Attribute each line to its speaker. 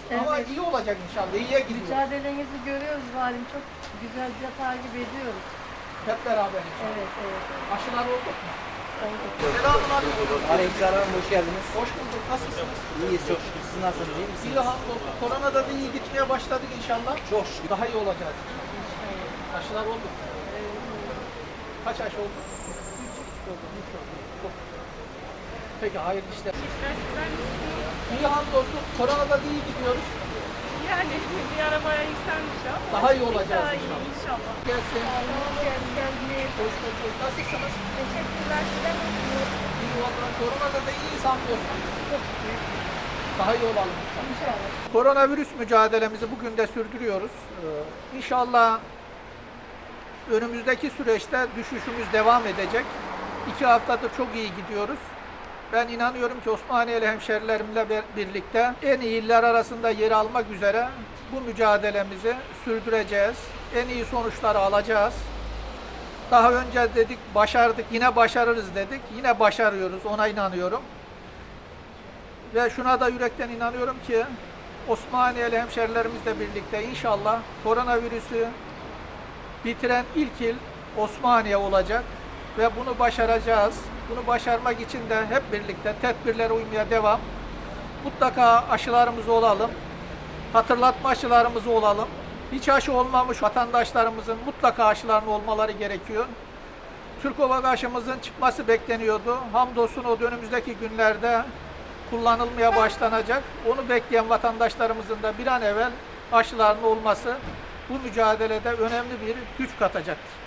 Speaker 1: Ama
Speaker 2: Evet.
Speaker 1: iyi olacak inşallah. İyiye gidiyor.
Speaker 2: Mücadelenizi görüyoruz valim. Çok güzelce takip ediyoruz.
Speaker 1: Hep beraber inşallah.
Speaker 2: Evet, evet.
Speaker 1: Aşılar olduk mu?
Speaker 2: Oldu.
Speaker 1: Selamun aleyküm.
Speaker 3: Aleykümselam, hoş geldiniz.
Speaker 1: Hoş bulduk. Nasılsınız?
Speaker 3: İyiyiz çok şükür. Siz nasılsınız, iyi misiniz?
Speaker 1: İyi hamdolsun. Koronada da iyi gitmeye başladık inşallah.
Speaker 3: Çok şükür.
Speaker 1: Daha iyi olacağız inşallah. Aşılar oldu mu? Kaç aşı oldu? 3 oldu. Peki hayırlı işler. İyi hamdolsun. Koronada da iyi gidiyoruz.
Speaker 4: Yani bir arabaya yükselmiş ama
Speaker 1: Daha iyi olacağız
Speaker 4: daha iyi
Speaker 1: inşallah.
Speaker 4: inşallah.
Speaker 1: Gelsin.
Speaker 4: Geldiniz.
Speaker 1: Hoş bulduk. Nasılsınız?
Speaker 4: Teşekkürler. Size nasılsınız?
Speaker 1: İyi valla. Koronada da iyiyiz hamdolsun. Daha iyi olalım inşallah. Koronavirüs mücadelemizi bugün de sürdürüyoruz. İnşallah önümüzdeki süreçte düşüşümüz devam edecek. 2 haftadır çok iyi gidiyoruz. Ben inanıyorum ki Osmaniyeli hemşerilerimle birlikte en iyi iller arasında yer almak üzere bu mücadelemizi sürdüreceğiz. En iyi sonuçları alacağız. Daha önce dedik başardık, yine başarırız dedik. Yine başarıyoruz, ona inanıyorum. Ve şuna da yürekten inanıyorum ki Osmaniyeli hemşerilerimizle birlikte inşallah koronavirüsü bitiren ilk il Osmaniye olacak ve bunu başaracağız. Bunu başarmak için de hep birlikte tedbirlere uymaya devam. Mutlaka aşılarımız olalım. Hatırlatma aşılarımız olalım. Hiç aşı olmamış vatandaşlarımızın mutlaka aşılarının olmaları gerekiyor. Türkovak aşımızın çıkması bekleniyordu. Hamdolsun o önümüzdeki günlerde kullanılmaya başlanacak. Onu bekleyen vatandaşlarımızın da bir an evvel aşılarının olması bu mücadelede önemli bir güç katacaktır.